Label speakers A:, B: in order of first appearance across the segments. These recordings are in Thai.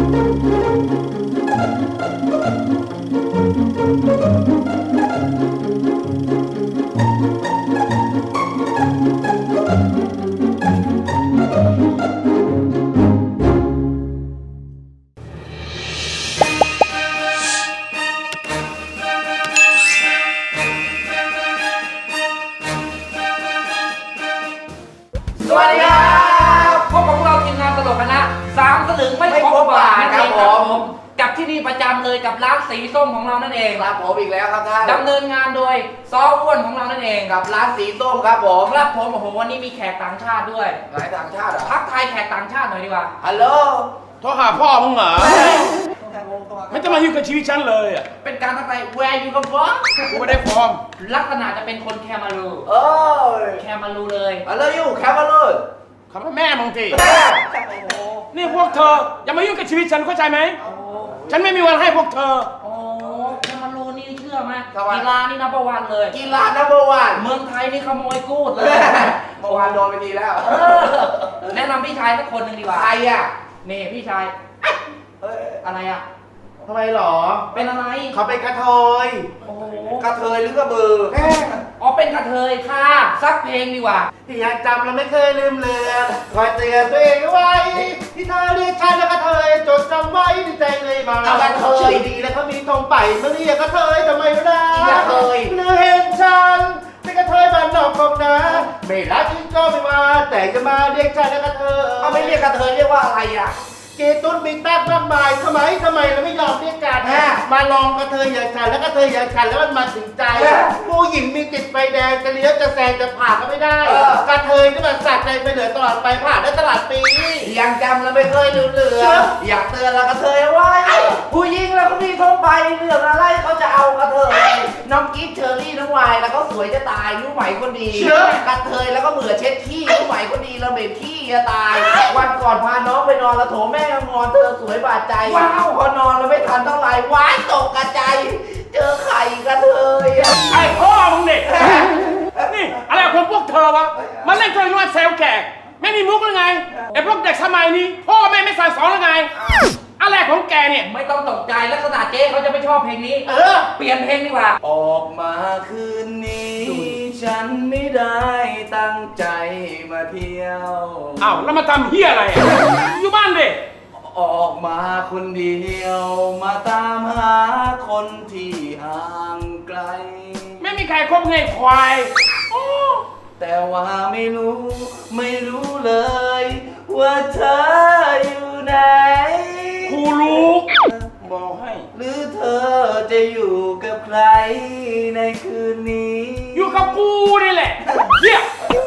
A: สวัสดีครับพบกับพวกเราทีมงานตลกคณะ3 สลึงไม่ครบบาทครับผมกับที่นี่ประจำเลยกับร้านสีส้มของเรานั่นเอง
B: ครับผมอีกแล้วครับท่าน
A: ดำเนินงานโดยซออ้วนของเรานั่นเอง
B: กับร้านสีส้มครับผม
A: ครับผมโอ้โหวันนี้มีแขกต่างชาติด้วย
B: หลายต่างชาติเหรอ
A: ทักทายแขกต่างชาติหน่อยดีกว่า
B: ฮัลโหล
C: โทรหาพ่อมึงเหรอไม่จะมายุ่งกับชีวิตฉันเลยอ่ะ
A: เป็นการทักทายแวร์ยูกัมฟ้อง
C: กูไม่ได้ฟอร์ม
A: ลักษณะจะเป็นคนแคมารูแคมารูเลย
B: ฮัลโหลยูแคมารู
C: คำว่าแม่มึงทีนี่พวกเธออย่ามายุ่งกับชีวิตฉันเข้าใจไหมฉันไม่มีวันให้พวกเธอ
A: โอ้แคมารูนี่เชื่อไหมกีฬานี่นับวันเลย
B: กีฬานับวัน
A: เมืองไทยนี่ขโมยกูดเลย
B: เมื่อวานโดนไปทีแล้ว
A: แนะนำพี่ชายสักคนหนึ่งดีกว่า
B: ใครอ่ะ
A: นี่พี่ชายอะไรอ่ะ
B: ทำไมหรอ
A: เป็นอะไร
B: เขาเป็นกระเทย
A: โอ้
B: กระเทยหรือกระบือ
A: อ๋อเป็นกระเทยค่ะสักเพลงดีกว่า
B: ที่ยังจำเราไม่เคยลืมเลือนคอยเตือนตัวเองไว้ที่เธอเรียกฉันแล้วกระเทยจดจำไว้ในใจเลยมาเอากระเทยดีแล้วเขามีธงไปเมื่อเรียกกระเทยทำไมไม่ได้กระเทยเมื่อเห็นฉันเป็นกระเทยบ้านนอกกองนาไม่รักจริงก็ไม่มาแต่จะมาเรียกฉันแล้วกระเทยเขาไม่เรียกกระเทยเรียกว่าอะไรอ่ะเกตุนมีแต้มมากมายทำไมเราไม่ยอมเรียกกันมาลองกระเทยอย่างฉันแล้วกระเทยอย่างฉันแล้วมันมาถึงใจผู้หญิงมีติดไฟแดงจะเลี้ยวจะแซงจะผ่านก็ไม่ได้กระเทยนี่มันสัตว์ใจไปเหลือตลอดไปผ่านได้ตลอดปียังจำเราไม่เคยลืมเลือนอยากเตือนเรากระเทยไว้ผู้หญิงเราก็มีทั่วไปเรื่องอะไรเขาจะเอากระเทยน้องกิ๊ฟเชอรี่น้องวายแล้วก็สวยจะตายรู้ไหมคนดีกระเทยแล้วก็เบื่อเช็ดขี้รู้ไหมคนดีเราเบ็ดขี้จะตายวันก่อนพาน้องไปนอนแล้วโถแม่งอนเธอสวยบาดใจว้าวพอนอนแล้วไม่ทันเท่าไหร่ว้ายตกกระจายเจอไข่กระเทย
C: ไอ้พ่อมึงเนี่ยนี่อะไรของพวกเธอวะมาเล่นตัวน้อยเซลแขกไม่มีมุกหรือไงไอ้พวกเด็กสมัยนี้พ่อแม่ไม่สั่งสอนหรือไงอะไรของแกเนี่ย
A: ไม่ต้องตกใจลักษณะเจ๊เขาจะไม่ชอบเพลงนี้เปลี่ยนเพลงดีกว่า
B: ออกมาคืนนี้ฉันไม่ได้ตั้งใจมาเที่ยว
C: อ้าวแล้วมาทำเฮียอะไรอยู่บ้านดิ
B: ออกมาคนเดียวมาตามหาคนที่ห่างไกล
C: ไม่มีใครคบไงควาย
B: แต่ว่าไม่รู้เลยว่าเธออยู่ไหน
C: กูรู้บอกให้
B: หรือเธอจะอยู่กับใครในคืนนี้
C: อยู่กับกูนี่แหละเฮีย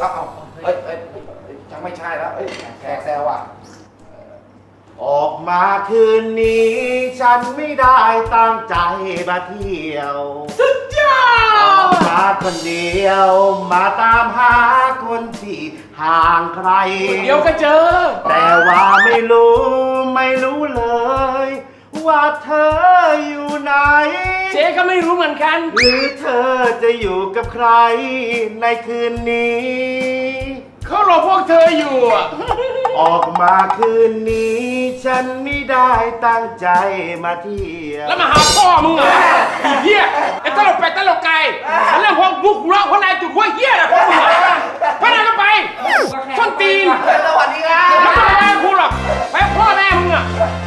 B: จังไม่ใช่แล้วแขกแซวอ่ะออกมาคืนนี้ฉันไม่ได้ตั้งใจมาเที่ยว
C: สุดยอ
B: ดออกมาคนเดียวมาตามหาคนที่ห่างไกล
C: เดี๋ยวก็เจอ
B: แต่ว่าไม่รู้เลยว่าเธออยู่ไหน
C: เจ๊ก็ไม่รู้เหมือนกัน
B: หรือเธอจะอยู่กับใครในคืนนี้
C: เขารอพวกเธออยู่
B: ออกมาคืนนี้ฉันไม่ได้ตั้งใจมาเที่ยว
C: แล้วมาหาพ่อมึงเหรอเฮียไอ้ตลกไปตลกไก่เรื่องพวกบุกร้องพวกนายจุดหัวเฮียแหละพวกมึงพวกนายก็ไปส้นตีน
B: สวัสดีครับ
C: ไม่ต้องไปพูดหรอกไปพ่อแม่มึงอ่ะ